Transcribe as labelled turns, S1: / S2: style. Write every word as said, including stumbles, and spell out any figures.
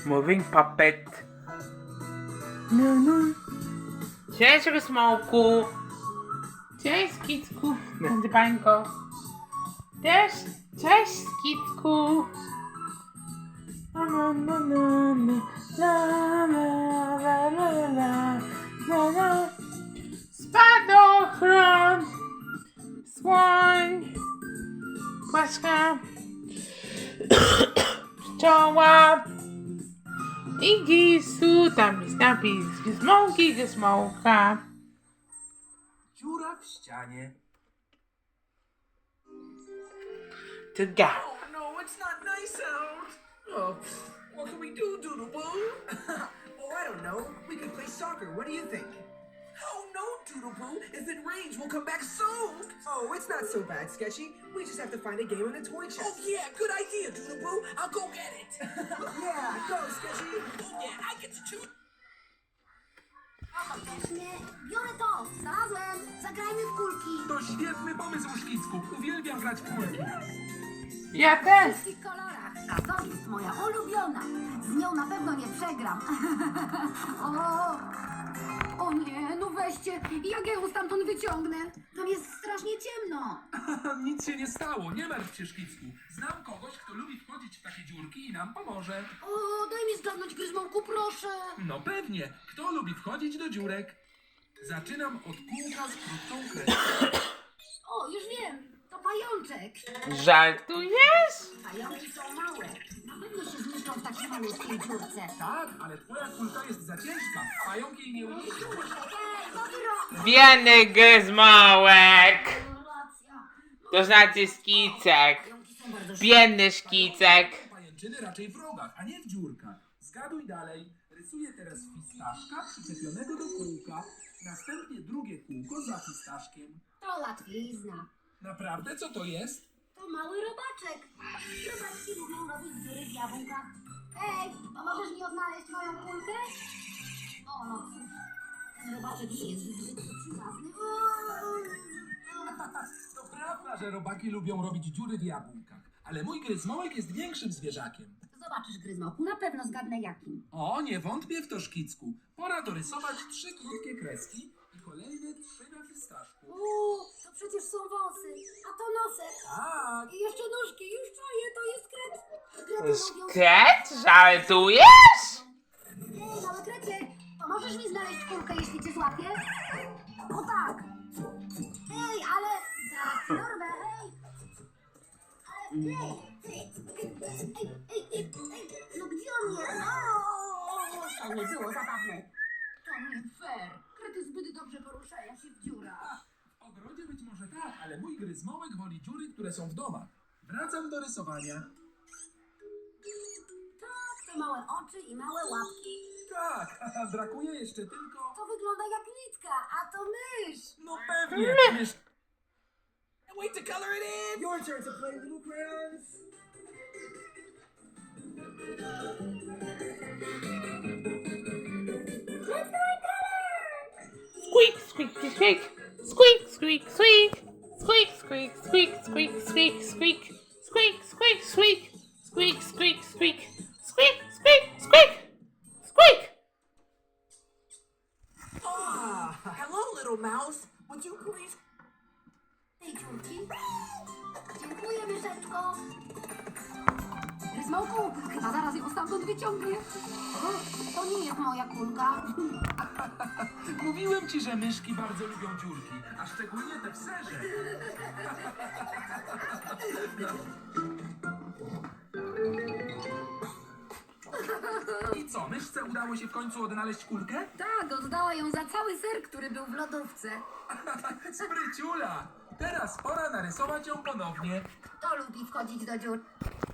S1: Moving puppet. No, no. Cześć, Rysmołku. Cześć, Kicku. Dzbańko. Cześć, cześć, Kicku. La, la, la, la, la, la, la, la, la, la. Spadochron. Słoń. Płaszka. Pszczoła. I gisu, tam jest napis Gizmołki, Gizmołka.
S2: Dziura w ścianie.
S1: To go.
S2: Oh no, it's not nice out. Oh, pfft, what can we do, Doodle Boo? Oh, I don't know. We could play soccer. What do you think? Oh no, Doodle Boo. If it rains, we'll come back soaked. Oh, it's not so bad, Sketchy. We just have to find a game in the toy chest. Oh yeah, good idea, Doodle Boo. I'll go get it. Yeah, go, Sketchy. Oh yeah, I get to choose.
S3: Faktycznie, biorę to, znalazłem, zagrajmy w kulki.
S4: To świetny pomysł, Szkicku. Uwielbiam grać w kulki.
S1: Ja
S3: W
S1: też.
S3: wszystkich kolorach, a to jest moja ulubiona. Z nią na pewno nie przegram. o, o nie, no weźcie, jak ja ją stamtąd wyciągnę? Tam jest strasznie ciemno.
S4: Nic się nie stało, nie martw się, Szkicku. Znam kogoś, kto lubi wchodzić w takie dziurki i nam pomoże.
S3: O, daj mi zgadnąć, Gryzmołku, proszę.
S4: No pewnie. Kto lubi wchodzić do dziurek? Zaczynam od kółka z krótką kreską.
S3: O, już wiem, to pajączek.
S1: Żartujesz?
S3: Pająki są małe. Na pewno się zmieszczą w takiej malutkiej dziurce.
S4: Tak, ale twoja kulka jest za ciężka. Pająk jej nie umieścił.
S3: Ej, co ty robisz?
S1: Biedny Gizmołek.
S3: Racja.
S1: To znaczy Skicek.
S3: Pająki są bardzo
S1: Biedny Szkicek.
S4: Pajęczyny raczej w rogach, a nie w dziurkach. Zgaduj dalej. Rysuję teraz fistaszka przyczepionego do kółka. Następnie drugie kółko za fistaszkiem.
S3: To łatwizna.
S4: Naprawdę? Co to jest?
S3: To mały robaczek. Robaczki lubią robić dziury w jabłkach. Ej, pomożesz mi odnaleźć moją kulkę? O, no cóż, ten robaczek nie jest zbyt przyjazny.
S4: To prawda, że robaki lubią robić dziury w jabłkach. Ale mój gryzmołek jest większym zwierzakiem.
S3: Zobaczysz, Gryzmołku, na pewno zgadnę jakim.
S4: O, nie wątpię w to, Szkicku. Pora dorysować trzy krótkie kreski i kolejne trzy na fistaszku.
S3: Uuu, to przecież są wąsy, a to nosek.
S4: Tak.
S3: I jeszcze nóżki, już czaję, to jest kret. Krety mówią...
S1: Szkret? Żartujesz?
S3: Ej, małe krecie, pomożesz mi znaleźć kulkę, jeśli cię złapię? O tak. Ej, ale... Zaraz ci dorwę, hej. Ale... Ej, ej, ej, ej, ej, ej, no gdzie on jest? O, to nie było zabawne. To nie fair. Krety zbyt dobrze poruszają się w dziurach.
S4: W ogrodzie być może tak, ale mój gryzmołek woli dziury, które są w domach. Wracam do rysowania.
S3: Tak, to małe oczy i małe łapki.
S4: Tak, brakuje jeszcze tylko...
S3: To wygląda jak nitka, a to mysz.
S4: No pewnie, mysz...
S2: Wait to color it in. Your turn to play, little crayons.
S3: Let's go and color!
S1: Squeak, squeak, squeak. Squeak, squeak, squeak. Squeak, squeak, squeak, squeak, squeak, squeak. Squeak, squeak, squeak. Squeak, squeak, squeak. Squeak, squeak, squeak. Squeak.
S2: Ah, hello, little mouse. Would you please?
S3: Tej dziurki. Dziękuję, myszeczko. Gryzmołku, chyba zaraz ją stamtąd wyciągnie. O, to nie jest moja kulka.
S4: Mówiłem ci, że myszki bardzo lubią dziurki, a szczególnie te w serze. I co, myszce udało się w końcu odnaleźć kulkę?
S3: Tak, oddała ją za cały ser, który był w lodówce.
S4: Spryciula! Teraz pora narysować ją ponownie.
S3: Kto lubi wchodzić do dziur?